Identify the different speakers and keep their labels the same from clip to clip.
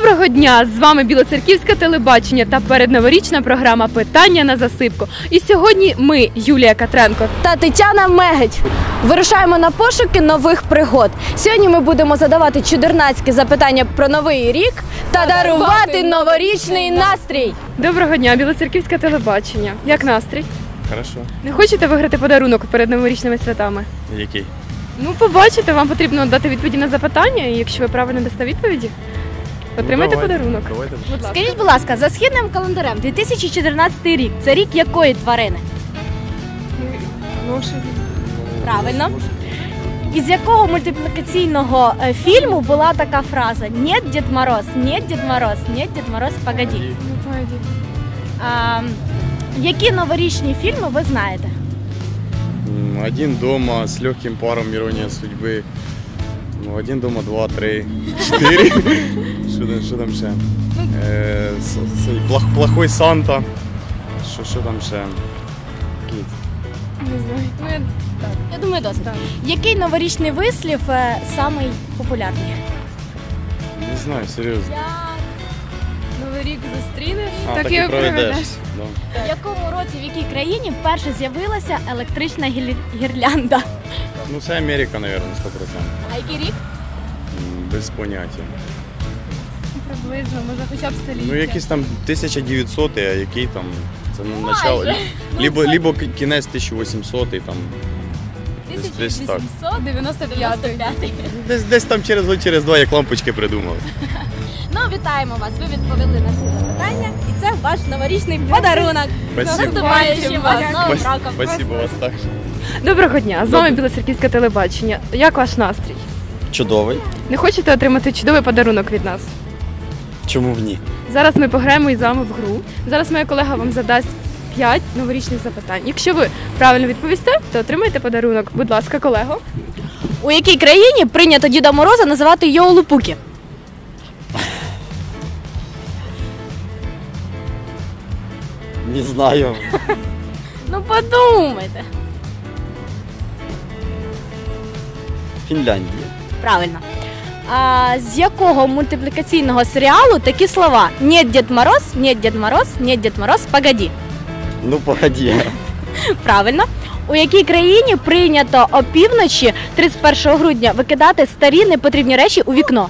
Speaker 1: Доброго дня! З вами Білоцерківське телебачення та передноворічна програма «Питання на засипку». І сьогодні ми, Юлія Катренко
Speaker 2: та Тетяна Мегедь, вирушаємо на пошуки нових пригод. Сьогодні ми будемо задавати чудернацькі запитання про новий рік та дарувати новорічний настрій.
Speaker 1: Доброго дня, Білоцерківське телебачення. Як настрій?
Speaker 3: Хорошо.
Speaker 1: Не хочете виграти подарунок перед новорічними святами?
Speaker 3: Який?
Speaker 1: Ну, побачите, вам потрібно дати відповіді на запитання, і якщо ви правильно дасте відповіді, отримайте подарунок.
Speaker 3: Давайте.
Speaker 1: Будь ласка.
Speaker 2: Скажіть, будь ласка, за східним календарем 2014 рік – це рік якої тварини?
Speaker 1: Лошаді.
Speaker 2: Правильно. Із якого мультиплікаційного фільму була така фраза «Нет, Дед Мороз, нет, Дед Мороз, нет, Дед Мороз, погоди».
Speaker 1: Ну, погоди.
Speaker 2: Які новорічні фільми ви знаєте?
Speaker 3: Один дома, с легким паром, ирония судьбы. Ну, один дома, 2, 3, 4. Що там ще? Плохой Санта. Що там ще? Кіт.
Speaker 1: Не знаю.
Speaker 2: Я думаю, досить. Який новорічний вислів самий популярний?
Speaker 3: Не знаю, серйозно.
Speaker 1: Новий рік зустрінеш,
Speaker 3: Так і проведеш. Да.
Speaker 2: В якому році, в якій країні вперше з'явилася електрична гірлянда?
Speaker 3: Ну, це Америка, мабуть, 100%.
Speaker 2: А який рік?
Speaker 3: Без поняття.
Speaker 1: Приблизно, може хоча б століття.
Speaker 3: Ну, якийсь там 1900, а який там, це начало, либо кінець 1800, там, десь так.
Speaker 2: 1895.
Speaker 3: Десь там через два, як лампочки придумали.
Speaker 2: Ну, вітаємо вас, ви відповіли на всі запитання, і це ваш новорічний подарунок.
Speaker 3: Спасибо.
Speaker 2: Наступаючим вас з Новим роком.
Speaker 3: Спасибо вас так.
Speaker 1: Доброго дня, з вами Білоцерківське телебачення. Як ваш настрій?
Speaker 4: Чудовий.
Speaker 1: Не хочете отримати чудовий подарунок від нас?
Speaker 4: Чому б ні?
Speaker 1: Зараз ми пограємо із вами в гру. Зараз моя колега вам задасть 5 новорічних запитань. Якщо ви правильно відповісте, то отримаєте подарунок. Будь ласка, колего.
Speaker 2: У якій країні прийнято Діда Мороза називати Йоулупуки?
Speaker 4: Не знаю.
Speaker 2: Ну, подумайте.
Speaker 4: Фінляндія.
Speaker 2: Правильно. А з якого мультиплікаційного серіалу такі слова? Нет, Дед Мороз, нет, Дед Мороз, нет, Дед Мороз, погоди.
Speaker 4: Ну, погоди.
Speaker 2: Правильно. У якій країні прийнято опівночі 31 грудня викидати старі непотрібні речі у вікно?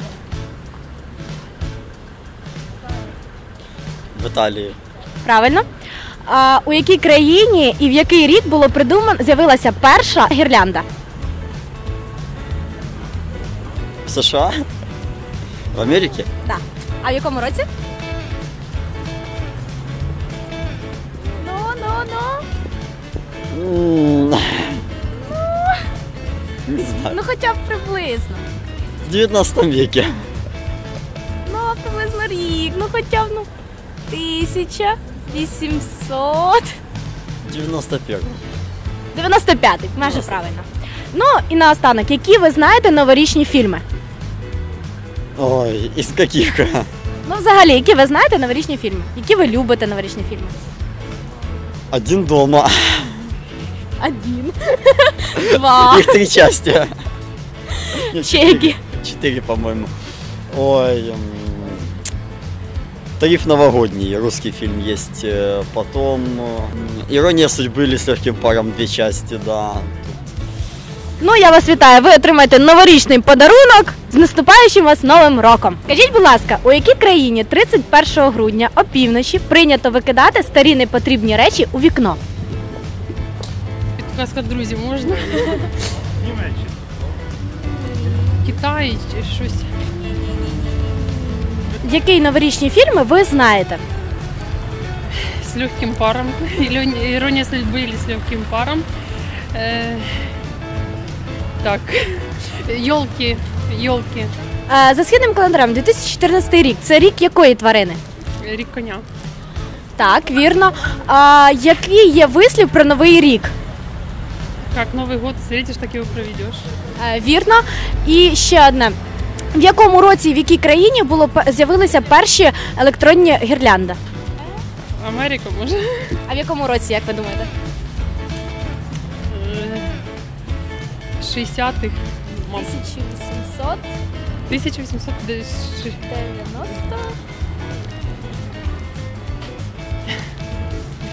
Speaker 4: В Італії.
Speaker 2: Правильно. А у якій країні і в який рік було з'явилася перша гірлянда?
Speaker 4: В США? В Америці?
Speaker 2: Так. А в якому році?
Speaker 4: Не знаю.
Speaker 2: Ну хоча б приблизно.
Speaker 4: В 19 веке.
Speaker 2: Ну, приблизно рік. Ну хоча б 1800.
Speaker 4: 91.
Speaker 2: 95-й, майже правильно. Ну і наостанок, які ви знаєте новорічні фільми?
Speaker 4: Ой, із яких?
Speaker 2: Ну взагалі, які ви знаєте новорічні фільми? Які ви любите новорічні фільми?
Speaker 4: Один дома.
Speaker 2: Один. Два.
Speaker 4: Их 3 части.
Speaker 2: Чеки.
Speaker 4: 4, по-моему. Ой, Тариф новогодний, русский фильм есть. Потом Ирония судьбы или с легким паром 2 части, да.
Speaker 2: Ну, я вас вітаю, ви отримаєте новорічний подарунок з наступаючим вас Новим роком. Скажіть, будь ласка, у якій країні 31 грудня опівночі прийнято викидати старі непотрібні речі у вікно?
Speaker 5: Підказка, друзі, можна? Китай чи щось.
Speaker 2: Які новорічні фільми ви знаєте?
Speaker 5: З легким паром. Іронія судьби или з легким паром. Так. Йолки.
Speaker 2: За східним календарем 2014 рік. Це рік якої тварини?
Speaker 5: Рік коня.
Speaker 2: Так, вірно. Який є вислів про Новий рік?
Speaker 5: Як Новий год встретиш, так його проведеш.
Speaker 2: Вірно. І ще одне. В якому році і в якій країні з'явилися перші електронні гірлянди?
Speaker 5: Америка, може?
Speaker 2: А в якому році, як ви думаєте?
Speaker 5: 60-х, мабуть.
Speaker 2: 1890.
Speaker 5: 1890.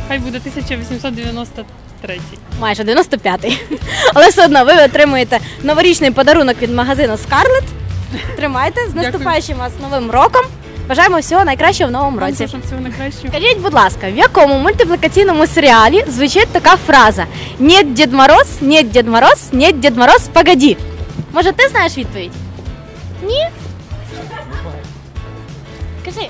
Speaker 5: хай буде 1893.
Speaker 2: Майже 95-й. Але все одно ви отримуєте новорічний подарунок від магазину Scarlett. Тримайте. З наступаючим вас новим роком. Бажаємо всього найкращого в новому році.
Speaker 5: Вам всього найкращого.
Speaker 2: Скажіть, будь ласка, в якому мультиплікаційному серіалі звучить така фраза: «Нет, Дед Мороз, нет, Дед Мороз, нет, Дед Мороз, погоди». Може, ти знаєш відповідь? Ні? Кажи.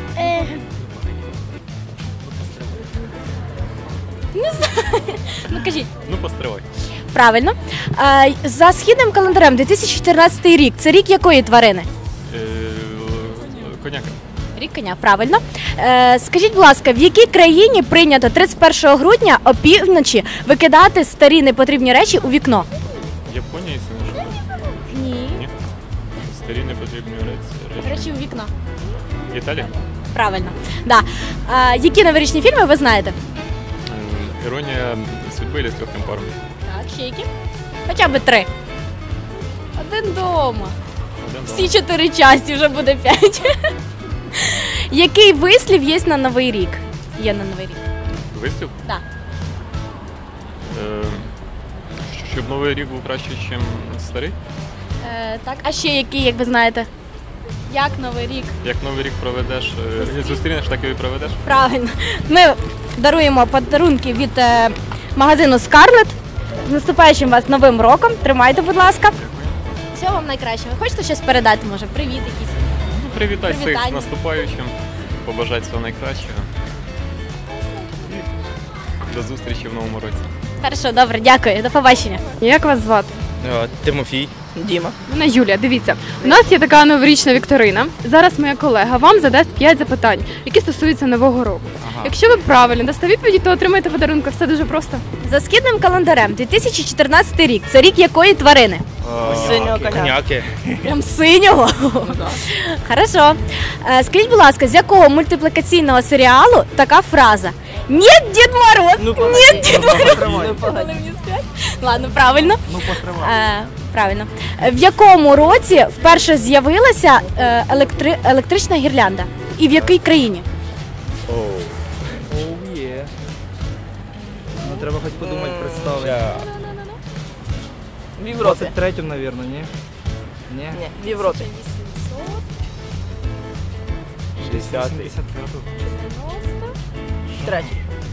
Speaker 2: Не знаю. Ну кажіть.
Speaker 3: Ну, постривай.
Speaker 2: Правильно. За східним календарем 2014 рік. Це рік якої тварини?
Speaker 3: Коняка.
Speaker 2: Рік коня, правильно. Скажіть, будь ласка, в якій країні прийнято 31 грудня опівночі викидати старі непотрібні речі у вікно?
Speaker 3: Японія, якщо не
Speaker 2: Ні.
Speaker 3: Ні. Старі непотрібні речі.
Speaker 2: Речі у вікно.
Speaker 3: Італія?
Speaker 2: Правильно. Да. Які новорічні фільми ви знаєте?
Speaker 3: Іронія судьби или з легким паром?
Speaker 2: Так, ще які? Хоча б 3. Один дома. Всі 4 часті, вже буде 5. Який вислів є на Новий рік? Є на Новий рік.
Speaker 3: Вислів?
Speaker 2: Так.
Speaker 3: Щоб новий рік був краще, ніж старий?
Speaker 2: Так, а ще який, як ви знаєте? Як Новий рік?
Speaker 3: Як новий рік проведеш, зустрінеш, так і проведеш?
Speaker 2: Правильно. Ми даруємо подарунки від магазину Scarlett. З наступаючим вас новим роком. Тримайте, будь ласка. Всього вам найкращого. Хочете щось передати, може? Привіт якийсь?
Speaker 3: Привітай всіх
Speaker 2: Привітання.
Speaker 3: з наступаючим, побажати всього найкращого. І до зустрічі в новому році.
Speaker 2: Хорошо, добре, дякую. До побачення.
Speaker 1: Як вас звати?
Speaker 6: Тимофій. Діма.
Speaker 1: Мене Юлія. Дивіться, у нас є така новорічна вікторина. Зараз моя колега вам задасть 5 запитань, які стосуються нового року. Якщо ви правильно дасте відповіді, то отримаєте подарунок. Все дуже просто.
Speaker 2: За східним календарем 2014 рік. Це рік якої тварини?
Speaker 6: Синього коня. Коняки.
Speaker 2: Прям синього? Хорошо. Скажіть, будь ласка, з якого мультиплікаційного серіалу така фраза? Нет, Дед Мороз! Нет, Дед Мороз! Ладно, правильно. Правильно. В якому році вперше з'явилася електрична гірлянда? І в якій країні?
Speaker 6: Є. Ну треба хоч подумати, представити.
Speaker 7: В Європі.
Speaker 6: 23-м, напевно, ні? Ні?
Speaker 7: Ні, в Європі.
Speaker 6: 60-й.
Speaker 7: Третій.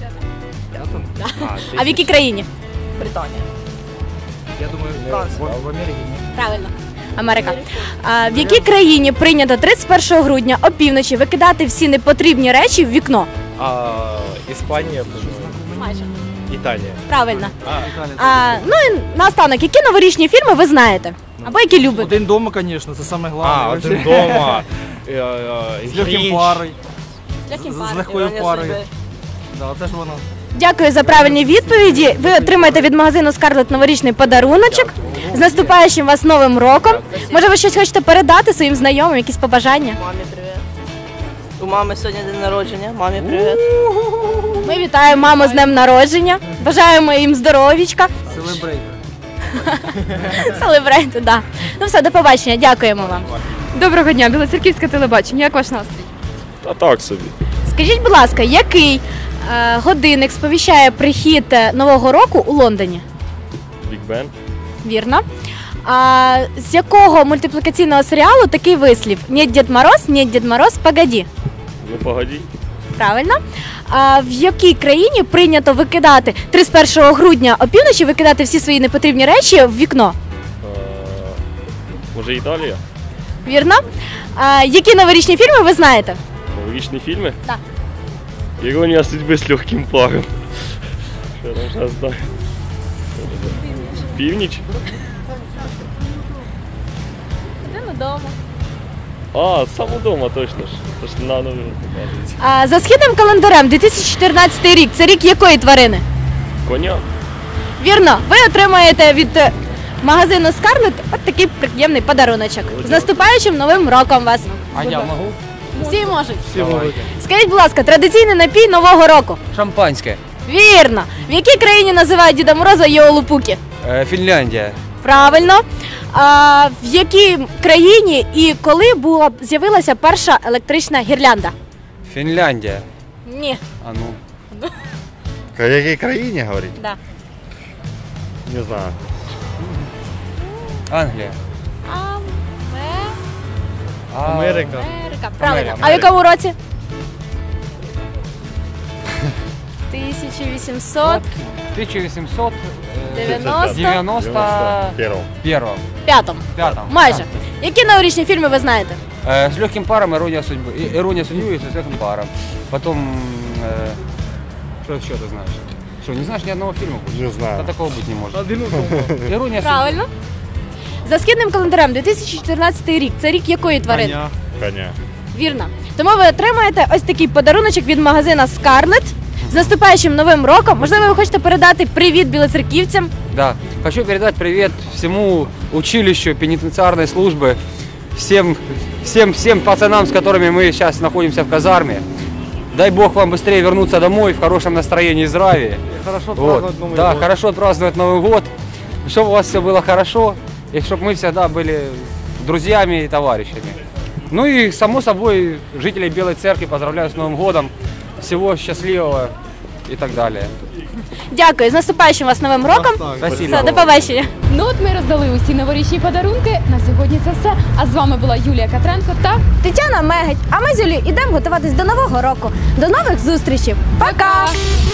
Speaker 2: А в якій країні?
Speaker 7: Британія.
Speaker 6: Я думаю, в Америці, ні?
Speaker 2: Правильно. Америка. В якій країні прийнято 31 грудня опівночі викидати всі непотрібні речі в вікно?
Speaker 8: Іспанія,
Speaker 2: Майже.
Speaker 8: Італія.
Speaker 2: Правильно.
Speaker 6: Італія.
Speaker 2: Ну і наостанок, які новорічні фільми ви знаєте? Або які любите?
Speaker 6: Один дома, звісно, це саме головне.
Speaker 8: Один дома.
Speaker 6: З легким парою.
Speaker 2: З
Speaker 6: З легкою парою. Да, це ж воно.
Speaker 2: Дякую за правильні відповіді. Ви отримаєте від магазину Scarlett новорічний подаруночок. З наступаючим вас новим роком. Може, ви щось хочете передати своїм знайомим, якісь побажання?
Speaker 7: Мамі привіт. У мами сьогодні день народження. Мамі привіт.
Speaker 2: Ми вітаємо маму з днем народження. Бажаємо їм здоров'ячка.
Speaker 6: Селебрейт.
Speaker 2: Селебрейти, да. Ну все, до побачення. Дякуємо вам.
Speaker 1: Доброго дня, Білоцерківське телебачення. Як ваш настрій?
Speaker 8: А так собі.
Speaker 2: Скажіть, будь ласка, який годинник сповіщає прихід Нового року у Лондоні?
Speaker 8: Біг Бен.
Speaker 2: Вірно. А з якого мультиплікаційного серіалу такий вислів? Нет, Дед Мороз, нет, Дед Мороз, погоди.
Speaker 8: Ну погоді.
Speaker 2: Правильно. А в якій країні прийнято викидати 31 грудня опівночі викидати всі свої непотрібні речі в вікно?
Speaker 8: Може Італія?
Speaker 2: Вірно. А які новорічні фільми ви знаєте?
Speaker 8: Новорічні фільми?
Speaker 2: Так.
Speaker 8: Іронія судьби з легким паром. Що там зараз знаю? Північ?
Speaker 2: Один вдома.
Speaker 8: Сам удома точно ж. Тож на новину показується.
Speaker 2: А за східним календарем 2014 рік. Це рік якої тварини?
Speaker 8: Коня?
Speaker 2: Вірно. Ви отримаєте від магазину Scarlett от такий приємний подаруночок. З наступаючим новим роком вас.
Speaker 6: А я можу?
Speaker 2: Всі можуть.
Speaker 6: Всі можуть.
Speaker 2: Скажіть, будь ласка, традиційний напій Нового року.
Speaker 9: Шампанське.
Speaker 2: Вірно. В якій країні називають Діда Мороза Йолупуки?
Speaker 9: Фінляндія.
Speaker 2: Правильно. А в якій країні і коли з'явилася перша електрична гірлянда?
Speaker 9: Фінляндія.
Speaker 2: Ні.
Speaker 9: А ну. О якій країні говорить?
Speaker 2: Да.
Speaker 9: Не знаю.
Speaker 6: Англія.
Speaker 9: Америка.
Speaker 2: Америка. Правильно.
Speaker 6: Америка.
Speaker 2: А в якому році? 1800.
Speaker 6: 1891.
Speaker 9: Первого.
Speaker 2: П'ятому. Майже. Які новорічні фільми ви знаєте?
Speaker 6: С легким паром «Ирония судьбы». «Ирония судьбы» и с легким паром. Потом, что еще ты знаешь? Что, не знаешь ни одного фильма?
Speaker 9: Не знаю.
Speaker 6: Да такого быть не может. «Ирония судьбы».
Speaker 2: Правильно. За східним календарем 2014 рік. Це рік якої тварини?
Speaker 9: Коня.
Speaker 2: Вірно. Тому ви отримаєте ось такий подаруночок від магазина Scarlett. З наступаючим новим роком. Можливо, ви хочете передати привіт білоцерківцям?
Speaker 6: Да. Хочу передать привет всему училищу пенитенциарной службы, всем пацанам, с которыми мы сейчас находимся в казарме. Дай Бог вам быстрее вернуться домой в хорошем настроении и здравии.
Speaker 8: Хорошо
Speaker 6: Вот. Да, хорошо отпраздновать Новый год, чтобы у вас все было хорошо, и чтобы мы всегда были друзьями и товарищами. Ну и, само собой, жителей Белой Церкви поздравляю с Новым годом. Всего счастливого и так далее.
Speaker 2: Дякую. З наступаючим вас новим роком.
Speaker 6: Спасибо.
Speaker 2: Все, до побачення.
Speaker 1: Ну от ми роздали усі новорічні подарунки. На сьогодні це все. А з вами була Юлія Катренко та
Speaker 2: Тетяна Мегеть. А ми з Юлією йдемо готуватись до Нового року. До нових зустрічей. Пока!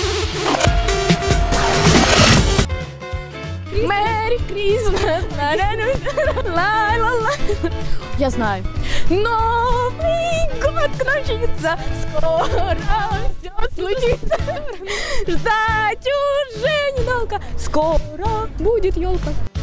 Speaker 2: Merry Christmas! Ла-ла-ла. Я знаю. Новый год кончится, скоро все случится. Ждать уже недолго, скоро будет елка.